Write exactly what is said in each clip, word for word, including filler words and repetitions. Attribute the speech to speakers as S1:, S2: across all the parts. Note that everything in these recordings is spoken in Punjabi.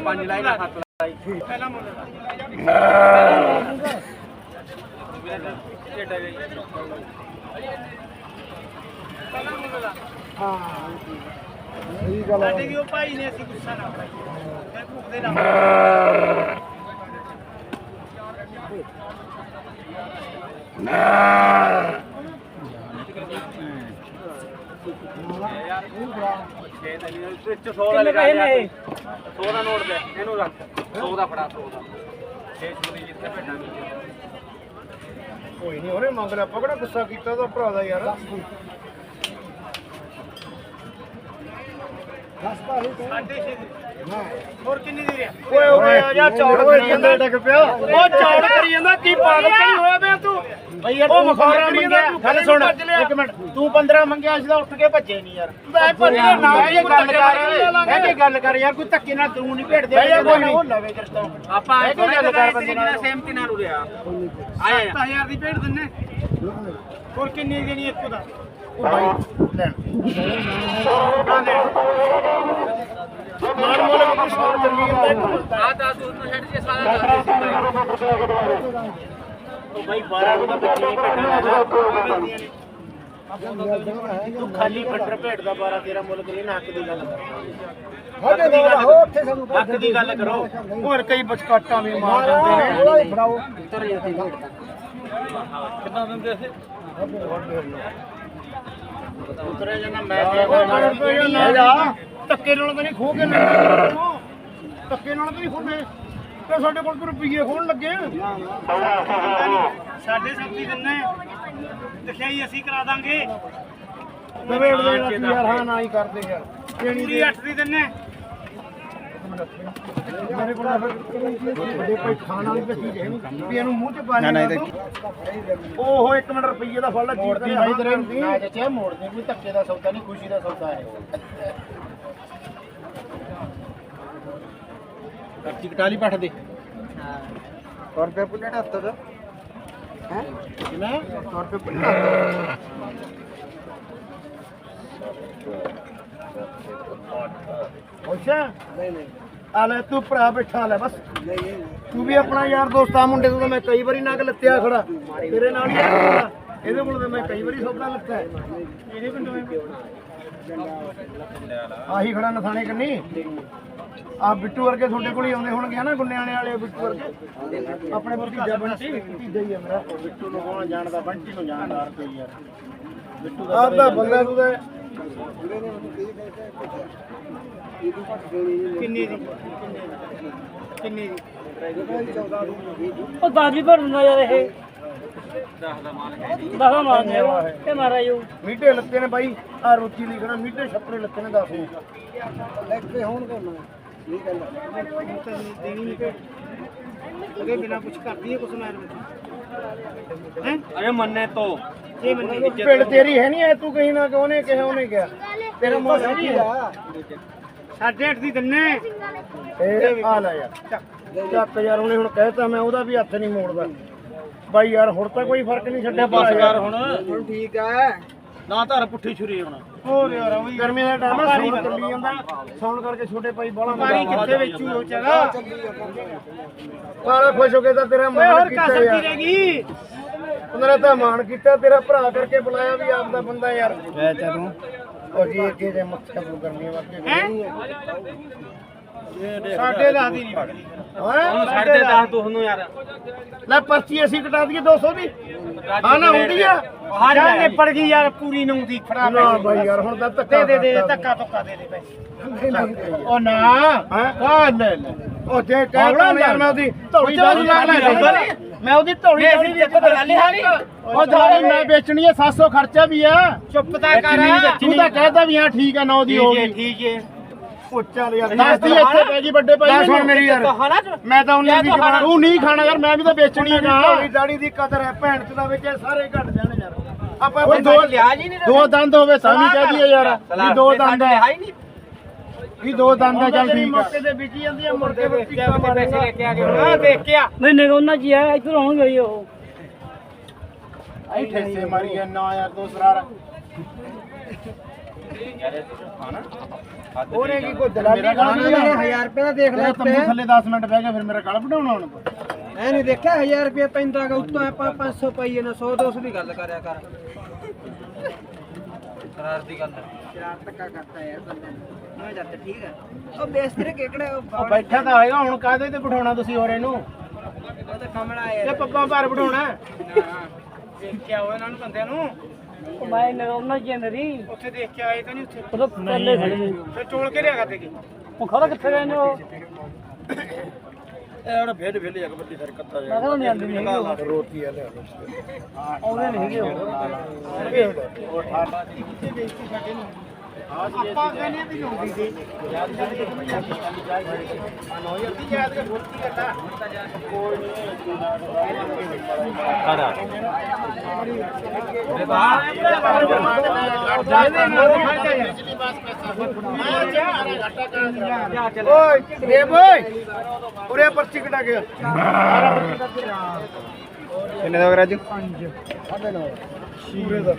S1: ਪੰਜ ਲਾਈ ਸੱਤ ਲਾਈ ਪਹਿਲਾ ਮੁੱਲ
S2: ਹਾਂ ਸਹੀ ਗੱਲ ਹੈ
S1: ਵੀ ਉਹ ਭਾਈ ਨੇ ਅਸੀਂ ਗੁੱਸਾ ਨਾ ਕਰਾਈ ਫਿਰ ਭੁੱਖਦੇ ਨਾ ਸੌ ਦਾ ਲਗਾ ਦੇ ਸੌ ਦਾ ਨੋਟ ਦੇ ਇਹਨੂੰ ਰੱਖ ਸੌ ਦਾ ਫੜਾ ਸੌ ਦਾ ਛੇ ਸੌ ਦੀ ਜਿੱਥੇ ਭੇਟਾਂਗੇ
S2: ਕੋਈ ਨਹੀਂ ਉਹਨੇ ਮੰਗ ਲਿਆ ਆਪਾਂ ਕਿਹੜਾ ਗੁੱਸਾ ਕੀਤਾ ਉਹਦਾ ਭਰਾ ਦਾ ਯਾਰ
S1: ਸਾਢੇ ਛੇ ਹੋਰ ਕਿੰਨੀ ਦੀ ਰਿਹਾ
S2: ਓਏ ਓਏ ਆ ਜਾ ਚੌੜ ਕਰੀ ਜਾਂਦਾ ਡਿੱਗ ਪਿਆ
S1: ਉਹ ਚੌੜ ਕਰੀ ਜਾਂਦਾ ਕੀ ਪਾਗਲ ਕਰੀ ਹੋਇਆ ਪਿਆ ਤੂੰ
S2: ਬਈ ਯਾਰ ਤੂੰ ਪੰਦਰਾਂ ਮੰਗਿਆ ਗੱਲ ਸੁਣ ਇੱਕ ਮਿੰਟ ਤੂੰ ਪੰਦਰਾਂ ਮੰਗਿਆ ਅਸੀਂ ਤਾਂ ਉੱਠ ਕੇ ਭੱਜੇ ਨਹੀਂ ਯਾਰ
S1: ਮੈਂ ਭੱਜਿਆ ਨਾ
S2: ਇਹ ਗੱਲ ਕਰ ਮੈਂ ਕੀ ਗੱਲ ਕਰ ਯਾਰ ਕੋਈ ਧੱਕੇ ਨਾਲ ਤੂੰ ਨਹੀਂ ਭੇੜਦੇ ਕੋਈ ਨਹੀਂ ਲਵੇ ਕਿਰਤੋਂ
S1: ਆਪਾਂ
S2: ਇਹ ਕੀ ਗੱਲ ਕਰ ਬੰਦੇ ਨਾਲ
S1: ਸਹਿਮਤੀ ਨਾਲ ਉਰਿਆ ਆਇਆ ਸੱਤ ਹਜ਼ਾਰ ਦੀ ਭੇਡ ਦਿੰਨੇ ਹੋਰ ਕਿੰਨੀ ਦੇਣੀ ਇੱਕ ਦਾ
S2: ਉਹ ਭਾਈ ਲੈਣ ਮਾਰ ਮੋਲੇ ਕੋਈ ਸੌ ਚੱਲੀ ਜਾਂਦਾ
S1: ਆ ਤਾਂ ਤੂੰ ਛੱਡ ਕੇ ਸਾਰਾ
S2: ਉਹ ਭਾਈ ਬਾਰਾਂ ਨੂੰ ਤਾਂ ਬੱਚੀ ਨਹੀਂ ਭੇਟਾਂ ਤੂੰ ਖਾਲੀ ਫੱਟਰ ਭੇਟ ਦਾ ਬਾਰਾਂ ਤੇਰਾ ਮੁੱਲ ਕਰੀ ਨਾ ਹੱਕ ਦੀ ਗੱਲ ਕਰ ਹੱਕ ਦੀ ਗੱਲ ਕਰੋ ਹੋਰ ਕਈ ਬਚਕਾਟਾਂ ਵੀ ਮਾਰ ਦਿੰਦੇ ਨੇ ਫੜਾਓ ਉੱਤਰ ਜਾਂਦੀ ਭੇਟ
S1: ਕਿੰਨਾ ਦਿੰਦੇ ਸੀ
S2: ਉਤਰਿਆ ਜਾਂਦਾ ਮੈਂ ਕਹਿੰਦਾ ਧੱਕੇ ਨਾਲ ਤਾਂ ਨਹੀਂ ਖੋ ਕੇ ਲੈਣਾ ਧੱਕੇ ਨਾਲ ਤਾਂ ਨਹੀਂ ਖੋਨੇ ਤੇ ਸਾਡੇ ਕੋਲ ਰੁਪਈਏ ਖੋਣ ਲੱਗੇ
S1: ਸਾਡੇ ਸਬਜ਼ੀ ਦਿੰਨੇ ਦਿਖਾਈ ਅਸੀਂ ਕਰਾ ਦਾਂਗੇ
S2: ਨਵੇੜ ਦੇ ਯਾਰ ਹਾਂ ਨਾ ਹੀ ਕਰਦੇ ਯਾਰ ਦੇਣੀ
S1: ਪੂਰੀ ਅੱਠ ਦੀ ਦਿੰਨੇ
S2: ਮੇਰੇ ਕੋਲ ਵੱਡੇ ਕੋਈ ਖਾਣ ਵਾਲੀ ਤਾਂ ਚੀਜ਼ ਹੈ ਨਹੀਂ ਵੀ ਇਹਨੂੰ ਮੂੰਹ 'ਚ ਪਾ ਨਾ ਓਹੋ ਇੱਕ ਮਿੰਟ ਰੁਪਈਏ ਦਾ ਫੜ ਲੈ ਮੋੜਦੀ ਭਾਈ ਤੇਰੇ ਨਾ ਚਾਚਾ ਮੋੜਦੇ ਕੋਈ ਧੱਕੇ ਦਾ ਸੌਦਾ ਨਹੀਂ ਖੁਸ਼ੀ ਦਾ ਸੌਦਾ ਹੈ ਕੱਚੀ ਕਟਾਲੀ ਪੱਠ ਦੇ ਹਾਂ ਸੌ ਰੁਪਏ ਪੁੱਲੇਟ ਹੱਥ ਦਾ ਹੈ ਕਿੰਨਾ ਸੌ ਰੁਪਏ ਪੁੱਲੇਟ ਅੱਛਾ ਨਹੀਂ ਨਹੀਂ ਆ ਲੈ ਤੂੰ ਭਰਾ ਬਿਠਾ ਲੈ ਬਸ ਤੂੰ ਵੀ ਆਪਣਾ ਯਾਰ ਦੋਸਤ ਆ ਮੁੰਡੇ ਤੋਂ ਤਾਂ ਮੈਂ ਕਈ ਵਾਰੀ ਨਗ ਲੱਤਿਆ ਖੜਾ ਤੇਰੇ ਨਾਲ ਹੀ ਆ ਇਹਦੇ ਕੋਲ ਤਾਂ ਮੈਂ ਕਈ ਵਾਰੀ ਸੌਦਾ ਲੱਤਾ ਇਹਦੇ ਪਿੰਡੋਂ ਆਹੀ ਖੜਾ ਨਥਾਣੇ ਕੰਨੀ ਆ ਬਿੱਟੂ ਵਰਗੇ ਤੁਹਾਡੇ ਕੋਲ ਹੀ ਆਉਂਦੇ ਹੋਣਗੇ ਨਾ ਗੁੰਨਿਆਣੇ ਵਾਲੇ ਬਿੱਟੂ ਵਰਗੇ ਆਪਣੇ ਭਤੀਜਾ ਬੰਟੀ ਭਤੀਜਾ ਹੀ ਆ ਮੇਰਾ ਬਿੱਟੂ ਨੂੰ ਕੌਣ ਜਾਣਦਾ ਬੰਟੀ ਨੂੰ ਜਾਣਦਾ ਤੇ ਯਾਰ ਬਿੱਟੂ ਦਾ ਆਪਦਾ ਬੰਦਾ ਤੂੰ ਤਾਂ
S1: ਕਿੰਨੀ ਦੀ ਕਿੰਨੀ ਦੀ
S3: ਉਹ ਦਸ ਵੀ ਭਰ ਦਿੰਦਾ ਯਾਰ ਇਹ ਦਸ ਦਾ ਮਾਲ ਹੈ ਦਸ ਦਾ ਮਾਲ ਹੈ ਤੇ ਮਾਰਾ ਯੂ
S2: ਮੀਟੇ ਲੱਤੇ ਨੇ ਬਾਈ ਆ ਰੋਟੀ ਲਿਖਣਾ ਮੀਟੇ ਛੱਪਰੇ ਲੱਤੇ ਨੇ ਦੱਸ ਨੂੰ ਲੱਗੇ ਹੋਣ ਕਰਨਾ ਇਹ ਗੱਲ
S1: ਦੇਣੀ ਨਹੀਂ ਭੇਟ ਉਹਦੇ ਬਿਨਾ ਕੁਝ ਕਰਦੀ ਹੈ ਕੁਛ ਮੈਂ ਹੈ ਅਰੇ ਮੰਨੇ ਤੋਂ ਇਹ ਮੰਨੇ
S2: ਪਿੰਡ ਤੇਰੀ ਹੈ ਨਹੀਂ ਐ ਤੂੰ ਕਹੀਂ ਨਾ ਕਿ ਉਹਨੇ ਕਿਹਾ ਉਹਨੇ ਕਿਹਾ ਤੇਰਾ ਮੋਹ ਹੈ ਨਹੀਂ ਆ
S1: ਸਾਢੇ ਅੱਠ ਦੀ ਦਿੰਨੇ
S2: ਇਹ ਆ ਲੈ ਯਾਰ ਚੱਕ ਯਾਰ ਉਹਨੇ ਹੁਣ ਕਹਿਤਾ ਮੈਂ ਉਹਦਾ ਵੀ ਹੱਥ ਨਹੀਂ ਮੋੜਦਾ ਬਾਈ ਯਾਰ ਹੁਣ ਤਾਂ ਕੋਈ ਫਰਕ ਨਹੀਂ ਛੱਡਿਆ
S1: ਬਸ ਯਾਰ ਹੁਣ
S2: ਹੁਣ ਠੀਕ ਹੈ
S1: ਨਾ ਧਰ ਪੁੱਠੀ ਛੁਰੀ ਹੁਣ
S2: ਹੋਰ ਯਾਰ ਉਹ ਗਰਮੀ ਦਾ ਟਾਈਮ ਆ ਸੌਣ ਚੱਲੀ ਜਾਂਦਾ ਸੌਣ ਕਰਕੇ ਛੋਟੇ ਭਾਈ ਬਾਲਾ
S1: ਮਾਰੀ ਕਿੱਥੇ ਵੇਚੂ ਉਹ ਚਲਾ
S2: ਸਾਰਾ ਖੁਸ਼ ਹੋ ਕੇ ਤਾਂ ਤੇਰਾ ਮਾਣ
S1: ਹੋਰ
S2: ਕੀਤਾ
S1: ਕਸਰ
S2: ਯਾਰ
S1: ਕੀ ਰਹੇਗੀ
S2: ਉਹਨਾਂ ਤਾਂ ਮਾਣ ਕੀਤਾ ਤੇਰਾ ਭਰਾ ਕਰਕੇ ਬੁਲਾਇਆ ਵੀ ਆਪਦਾ ਬੰਦਾ ਯਾਰ ਐ ਤੂੰ ਉਹ ਜੀ ਅੱਗੇ ਦੇ ਮੱਥਾ ਪੂ ਕਰਨੀ ਵਾਕੇ
S1: ਸਾਡੇ ਦਸ ਦੀ ਨਹੀਂ ਵਗਦੀ
S2: ਹਾਂ
S1: ਸਾਡੇ ਦਸ ਤੁਹਾਨੂੰ ਯਾਰ
S2: ਲੈ ਪਰਚੀ ਅਸੀਂ ਕਟਾ ਦਈਏ ਦੋ ਸੌ ਦੀ ਹਾਂ ਨਾ ਹੁੰਦੀ ਆ
S1: ਹਾਂ ਨਿਪੜ ਗਈ ਯਾਰ ਪੂਰੀ ਨੂੰ ਦੀ ਫੜਾ
S2: ਨਾ ਬਾਈ ਯਾਰ ਹੁਣ ਤਾਂ ਧੱਕਾ
S1: ਦੇ ਦੇ ਦੇ ਧੱਕਾ ਧੱਕਾ ਦੇ ਦੇ ਪੈਸੇ
S2: ਉਹ ਨਾ ਹਾਂ ਲੈ ਲੈ ਉਹ ਜੇ ਕਹਿਣਾ ਯਾਰ ਮੈਂ ਉਹਦੀ ਧੌਲੀ ਦਾੜੀ ਲਾ ਲੈ ਮੈਂ ਉਹਦੀ ਧੌਲੀ ਦਾੜੀ ਵੀ ਇੱਕ ਗੱਲ ਹਾਲੀ ਉਹ ਦਾੜੀ ਮੈਂ ਵੇਚਣੀ ਹੈ ਸੱਤ ਸੌ ਖਰਚਾ ਵੀ ਆ
S1: ਚੁੱਪ ਤਾਂ ਕਰ
S2: ਤੂੰ ਤਾਂ ਕਹਿਦਾ ਵੀ ਹਾਂ ਠੀਕ ਆ ਨੌ ਦੀ ਹੋ ਗਈ
S1: ਠੀਕ ਹੈ
S2: ਉਹ ਚੱਲ ਯਾਰ ਦੱਸ ਦੀ ਇੱਥੇ ਪੈ ਗਈ ਵੱਡੇ ਭਾਈ ਸੁਣ ਮੇਰੀ ਯਾਰ ਮੈਂ ਤਾਂ ਉਹਨੇ ਦੀ ਤੂੰ ਨਹੀਂ ਖਾਣਾ ਯਾਰ ਮੈਂ ਵੀ ਤਾਂ ਵੇਚਣੀ ਹੈ ਨਾ ਧੌਲੀ ਦਾੜੀ ਦੀ ਕਦਰ ਹੈ ਭੈਣ ਚ ਦਾ ਵਿੱਚ ਸਾਰੇ ਘਟ ਜਾਣ ਯਾਰ ਆਪਾਂ ਦੋ
S1: ਲਿਆਜ ਹੀ ਨਹੀਂ
S2: ਦੋ ਦੰਦ ਹੋਵੇ ਸਾਵੀ ਕਹਦੀ ਯਾਰ ਵੀ ਦੋ ਦੰਦ ਹੈ ਵੀ ਦੋ ਦੰਦ ਹੈ ਚੱਲ ਠੀਕ ਹੈ ਮੌਕੇ ਤੇ ਵਿਕੀ ਜਾਂਦੀ ਹੈ ਮੁੜ ਕੇ
S1: ਪੈਸੇ ਲੈ ਕੇ ਆ ਗਏ ਹਾਂ ਦੇਖ ਕੇ ਆ
S3: ਨਹੀਂ ਨਹੀਂ ਉਹਨਾਂ ਜੀ ਆ ਇੱਧਰ ਆਉਣਗੇ ਜੀ ਉਹ
S2: ਆਈ ਠੇਸੇ ਮਾਰੀ ਨਾ ਯਾਰ ਦੋ ਸਰਾਰ ਉਹਨੇ ਕੀ ਕੋਈ ਦਲਾਲੀ ਕਰਨੀ ਹੈ
S1: ਹਜ਼ਾਰ ਰੁਪਏ ਦਾ ਦੇਖ ਲੈ
S2: ਤੰਬੂ ਥੱਲੇ ਦਸ ਮਿੰਟ ਬਹਿ ਗਿਆ ਫਿਰ ਮੇਰਾ ਗਲ ਵਢਾਉਣਾ ਹੁਣ
S1: ਐ ਨਹੀਂ ਦੇਖਿਆ ਹਜ਼ਾਰ ਰੁਪਏ ਪੈਂਦਾ ਗਾ ਉੱਤੋਂ ਆਪਾਂ ਪੰਜ ਸੌ ਪਾਈਏ ਨਾ ਸੌ ਦੋ ਸੌ ਦੀ ਗੱਲ ਕਰਿਆ ਕਰ ਸ਼ਰਾਰਤ ਦੀ ਗੱਲ ਸ਼ਰਾਰਤ ਕਾ ਕਰਤਾ ਯਾਰ ਬੰਦੇ ਮੈਂ ਜੱਟ ਠੀਕ ਹੈ ਉਹ ਬੇਸਤਰੇ ਕਿਹੜੇ
S2: ਉਹ ਬੈਠਾ ਤਾਂ ਹੋਏਗਾ ਹੁਣ ਕਾਹਦੇ ਤੇ ਬਿਠਾਉਣਾ ਤੁਸੀਂ ਹੋਰ ਇਹਨੂੰ
S1: ਉਹ ਤਾਂ ਕਮਲਾ ਯਾਰ
S2: ਇਹ ਪੱਪਾਂ ਭਾਰ ਬਿਠਾਉਣਾ
S1: ਦੇਖ ਕੇ ਆਓ ਇਹਨਾਂ ਨੂੰ ਬੰਦਿਆਂ ਨੂੰ
S3: ਉਹ ਮੈਂ ਨਾ ਉਹਨਾਂ ਜੀ ਮੇਰੀ
S1: ਉੱਥੇ ਦੇਖ ਕੇ ਆਏ ਤਾਂ ਨਹੀਂ ਉੱਥੇ
S3: ਉਹ ਤਾਂ ਪਹਿਲੇ ਖੜੇ ਨੇ
S1: ਫਿਰ ਟੋਲ ਕੇ ਲਿਆ ਕਰਦੇ ਕੀ
S3: ਉਹ ਖੜਾ ਕਿੱਥੇ ਗਏ ਨੇ ਉਹ
S2: ਇਹ ਹੁਣ ਭੇਡ ਭੇਡ ਜਾ ਕੇ ਬੱਤੀ ਸਰ ਕੱਤਾ
S3: ਮੈਂ ਕਹਿੰਦਾ ਨਹੀਂ ਆਉਂਦੀ ਨਹੀਂ ਹੈਗੀ
S2: ਰੋਟੀ ਆ ਲਿਆ
S3: ਆਉਂਦੇ ਨਹੀਂ ਹੈਗੇ ਉਹ
S2: ਉਹ ਠਾਠਾ
S1: ਆਪਾਂ ਕਹਿੰਦੇ ਵੀ ਲਾਉਂਦੀ ਸੀ ਯਾਦ ਕਰਕੇ ਨੌ ਹਜ਼ਾਰ ਦੀ ਯਾਦ ਕੇ ਬੋਲਤੀ ਕਰਦਾ ਕੋਈ
S2: ਓਏ ਦੇਵ ਓਏ ਉਰੇ ਪਰਚੀ ਕਟਾ ਗਿਆ
S1: ਕਿੰਨੇ ਦਾ ਰਾਜੂ
S2: ਸਾਢੇ ਨੌ ਪੂਰੇ ਦਾ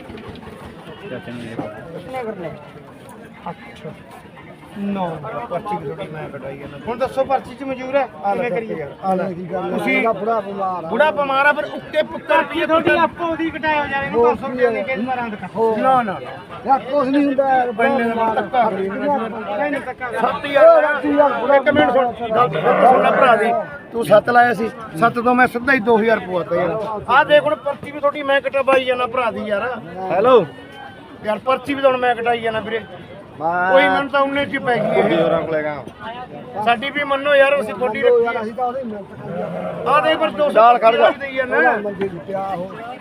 S1: ਕਿੰਨੇ ਕਰਨੇ
S2: ਅੱਛਾ ਨੌ ਪਰਚੀ ਵੀ ਥੋੜੀ ਮੈਂ ਕਟਾਈ ਜਾਂਦਾ ਹੁਣ ਦੱਸੋ ਪਰਚੀ ਚ ਮਨਜ਼ੂਰ ਹੈ ਕਿਵੇਂ ਕਰੀਏ ਆ ਲੈ ਤੁਸੀਂ ਬੁੜਾ ਬਿਮਾਰ ਬੁੜਾ ਬਿਮਾਰ ਆ ਫਿਰ ਉੱਤੇ ਪੁੱਤਰ
S1: ਕੀ ਤੁਹਾਡੀ ਆਪੋ ਉਹਦੀ ਕਟਾਇਓ ਯਾਰ ਇਹਨੂੰ ਦੋ ਸੌ ਰੁਪਏ ਦੇ ਕੇ ਮਾਰਾਂ ਦਿਖਾ
S2: ਨਾ ਨਾ ਯਾਰ ਕੁਝ ਨਹੀਂ ਹੁੰਦਾ ਯਾਰ ਬੰਨੇ ਦਾ ਧੱਕਾ ਕਰੀ
S1: ਨਹੀਂ ਧੱਕਾ
S2: ਸੱਤ ਹਜ਼ਾਰ ਇੱਕ ਮਿੰਟ ਸੁਣ ਗੱਲ ਸੁਣ ਲੈ ਭਰਾ ਦੀ ਤੂੰ ਸੱਤ ਲਾਇਆ ਸੀ ਸੱਤ ਤੋਂ ਮੈਂ ਸਿੱਧਾ ਹੀ ਦੋ ਹਜ਼ਾਰ ਪਵਾਤਾ ਯਾਰ ਆਹ ਦੇਖ ਹੁਣ ਪਰਚੀ ਵੀ ਤੁਹਾਡੀ ਮੈਂ ਕਟਵਾਈ ਜਾਣਾ ਭਰਾ ਦੀ ਯਾਰ ਹੈਲੋ ਯਾਰ ਪਰਚੀ ਵੀ ਤੁਹਾਨੂੰ ਮੈਂ ਕਟਾਈ ਜਾਣਾ ਵੀਰੇ ਕੋਈ ਮਨ ਤਾਂ ਉਹਨੇ ਚ ਪੈ ਗਈ ਇਹ ਹੋਰਾਂ ਕੋਲੇਗਾ ਸਾਡੀ ਵੀ ਮੰਨੋ ਯਾਰ ਅਸੀਂ ਥੋੜੀ ਰੱਖੀ ਅਸੀਂ ਤਾਂ ਉਹਦੇ ਮਿਹਨਤ ਕਰੀ ਆ ਦੇ ਪਰ ਦੋ ਦਾਲ ਖੜ ਜਾ